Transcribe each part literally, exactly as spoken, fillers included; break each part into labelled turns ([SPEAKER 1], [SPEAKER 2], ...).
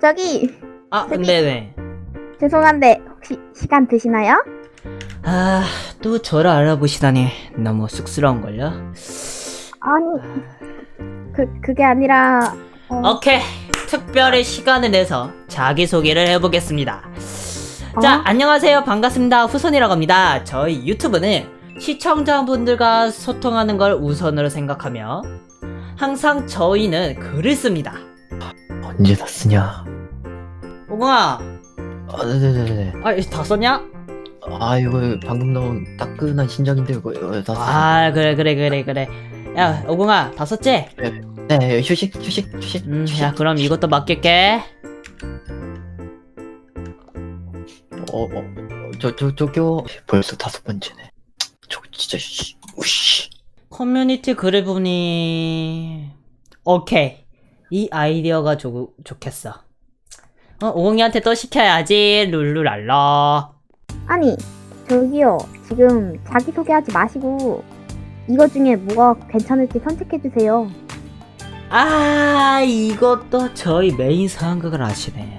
[SPEAKER 1] 저기
[SPEAKER 2] 아,
[SPEAKER 1] 저기.
[SPEAKER 2] 네네.
[SPEAKER 1] 죄송한데 혹시 시간 되시나요?
[SPEAKER 2] 아, 또 저를 알아보시다니 너무 쑥스러운걸요?
[SPEAKER 1] 아니 그 그게 아니라 어,
[SPEAKER 2] 오케이, 특별히 시간을 내서 자기소개를 해보겠습니다. 자,
[SPEAKER 1] 어?
[SPEAKER 2] 안녕하세요. 반갑습니다. 후손이라고 합니다. 저희 유튜브는 시청자분들과 소통하는 걸 우선으로 생각하며 항상 저희는 글을 씁니다.
[SPEAKER 3] 언제 다 쓰냐?
[SPEAKER 2] 오공아,
[SPEAKER 3] 아, 네네네네.
[SPEAKER 2] 아, 이거 다 썼냐?
[SPEAKER 3] 아, 이거 방금 나온 따끈한 신작인데 이거 이거 다 쓰.
[SPEAKER 2] 아, 그래 그래 그래 그래. 야, 오공아, 다 썼지?
[SPEAKER 3] 네, 휴식, 휴식, 휴식,
[SPEAKER 2] 음,
[SPEAKER 3] 휴식.
[SPEAKER 2] 야, 그럼 이것도 맡길게.
[SPEAKER 3] 어, 어, 어, 저, 저, 저기요. 벌써 다섯 번째네. 저 진짜 씨, 우씨.
[SPEAKER 2] 커뮤니티 글을 보니 오케이, 이 아이디어가 좋, 좋겠어. 어, 오공이한테 또 시켜야지. 룰루랄라.
[SPEAKER 1] 아니 저기요 지금 자기소개하지 마시고 이거 중에 뭐가 괜찮을지 선택해주세요.
[SPEAKER 2] 아, 이것도 저희 메인 상황극을 아시네.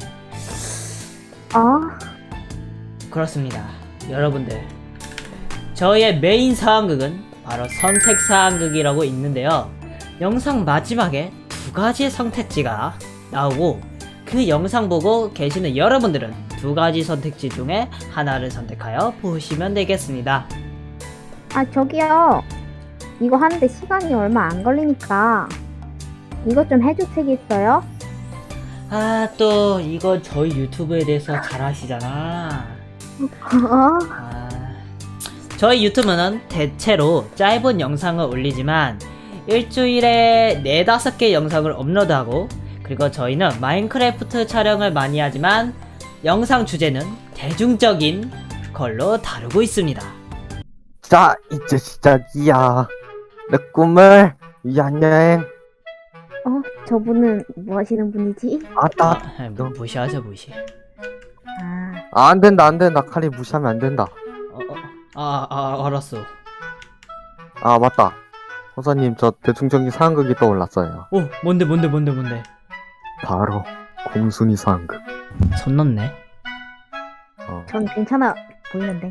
[SPEAKER 1] 아
[SPEAKER 2] 그렇습니다. 여러분들, 저희의 메인 상황극은 바로 선택 상황극이라고 있는데요. 영상 마지막에 두 가지의 선택지가 나오고 그 영상 보고 계시는 여러분들은 두 가지 선택지 중에 하나를 선택하여 보시면 되겠습니다.
[SPEAKER 1] 아 저기요 이거 하는데 시간이 얼마 안 걸리니까 이것 좀 해주시겠어요?
[SPEAKER 2] 아, 또 이거 저희 유튜브에 대해서 잘 아시잖아.
[SPEAKER 1] 어?
[SPEAKER 2] 아, 저희 유튜브는 대체로 짧은 영상을 올리지만 일주일에 네다섯 개 영상을 업로드하고, 그리고 저희는 마인크래프트 촬영을 많이 하지만 영상 주제는 대중적인 걸로 다루고 있습니다.
[SPEAKER 4] 자, 이제 시작이야. 내 꿈을 위한 여행.
[SPEAKER 1] 어? 저분은 뭐 하시는 분이지?
[SPEAKER 4] 아따.
[SPEAKER 2] 아, 뭐 무시하죠, 무시.
[SPEAKER 1] 아
[SPEAKER 4] 아, 안 된다, 안 된다. 칼이 무시하면 안 된다.
[SPEAKER 2] 어, 어, 아, 아, 알았어.
[SPEAKER 4] 아, 맞다. 호사님, 저 대중적인 상황극이 떠올랐어요.
[SPEAKER 2] 오, 뭔데, 뭔데, 뭔데, 뭔데. 바로
[SPEAKER 4] 바로 공순이 상황극.
[SPEAKER 2] 손 넣네.
[SPEAKER 4] 어,
[SPEAKER 1] 전 괜찮아 보이는데.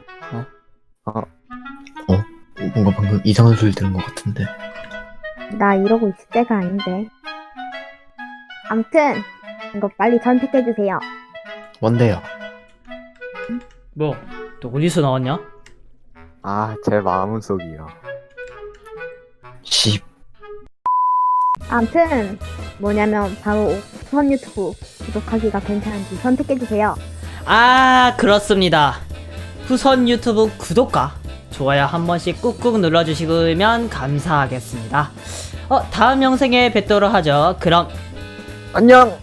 [SPEAKER 3] 뭔가 방금 이상한 소리 들은 것 같은데.
[SPEAKER 1] 나 이러고 있을 때가 아닌데. 암튼 이거 빨리 선택해주세요.
[SPEAKER 3] 뭔데요?
[SPEAKER 2] 뭐, 또 어디서 나왔냐?
[SPEAKER 4] 아, 제 마음속이요.
[SPEAKER 3] 십.
[SPEAKER 1] 암튼 뭐냐면 바로 우선 유튜브 구독하기가 괜찮은지 선택해주세요.
[SPEAKER 2] 아, 그렇습니다. 후선 유튜브 구독과 좋아요 한 번씩 꾹꾹 눌러주시면 감사하겠습니다. 어, 다음 영상에 뵙도록 하죠. 그럼
[SPEAKER 4] 안녕!